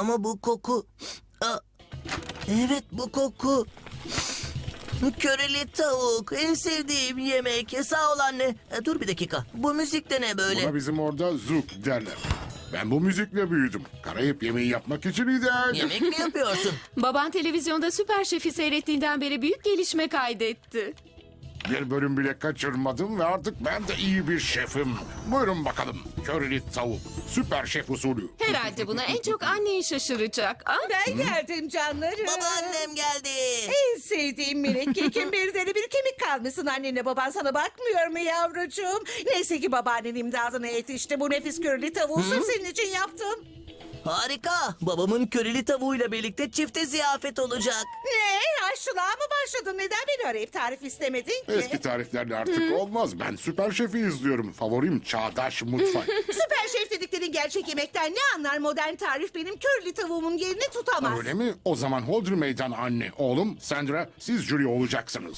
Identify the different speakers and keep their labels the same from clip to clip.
Speaker 1: Ama bu koku... Aa, evet bu koku. Köreli tavuk. En sevdiğim yemek. Sağ ol anne. Dur bir dakika. Bu müzik de ne böyle?
Speaker 2: Buna bizim orada zouk derler. Ben bu müzikle büyüdüm. Karayip yemeği yapmak için ideal.
Speaker 1: Yemek mi yapıyorsun?
Speaker 3: Baban televizyonda Süper Şef'i seyrettiğinden beri büyük gelişme kaydetti.
Speaker 2: Bir bölüm bile kaçırmadım ve artık ben de iyi bir şefim. Buyurun bakalım. Körili tavuk. Süper şef usulü.
Speaker 3: Herhalde buna en çok annen şaşıracak. Ah,
Speaker 4: Ben geldim canlarım.
Speaker 1: Babaannem geldi.
Speaker 4: En sevdiğim minik kekim bir deri bir kemik kalmışsın annenle baban sana bakmıyor mu yavrucuğum? Neyse ki babaannen imdadına yetişti. Bu nefis körili tavuğu sırf senin için yaptım.
Speaker 1: Harika. Babamın köreli tavuğuyla birlikte çifte ziyafet olacak.
Speaker 4: Ne? Aşçılığa mı başladın? Neden beni arayıp tarif istemedin ki?
Speaker 2: Eski tariflerle artık olmaz. Ben Süper Şef'i izliyorum. Favorim çağdaş mutfak.
Speaker 4: Süper şef dediklerin gerçek yemekten ne anlar modern tarif benim körlü tavuğumun yerini tutamaz.
Speaker 2: Öyle mi? O zaman Hodri Meydan anne. Oğlum Sandra siz jüri olacaksınız.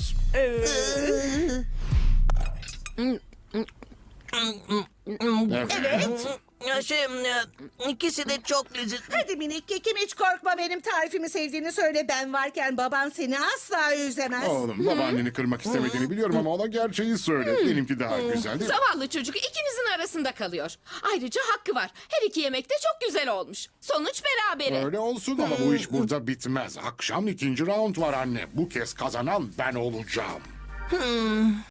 Speaker 2: Evet.
Speaker 1: Ya ikisi de çok lezzetli.
Speaker 4: Hadi minik kekim hiç korkma benim tarifimi sevdiğini söyle. Ben varken baban seni asla üzemez.
Speaker 2: Oğlum babaanneni kırmak istemediğini biliyorum ama ona gerçeği söyle. Benimki daha güzel değil mi?
Speaker 3: zavallı çocuk ikinizin arasında kalıyor. Ayrıca hakkı var. Her iki yemek de çok güzel olmuş. Sonuç berabere.
Speaker 2: Öyle olsun ama bu iş burada bitmez. Akşam ikinci round var anne. Bu kez kazanan ben olacağım.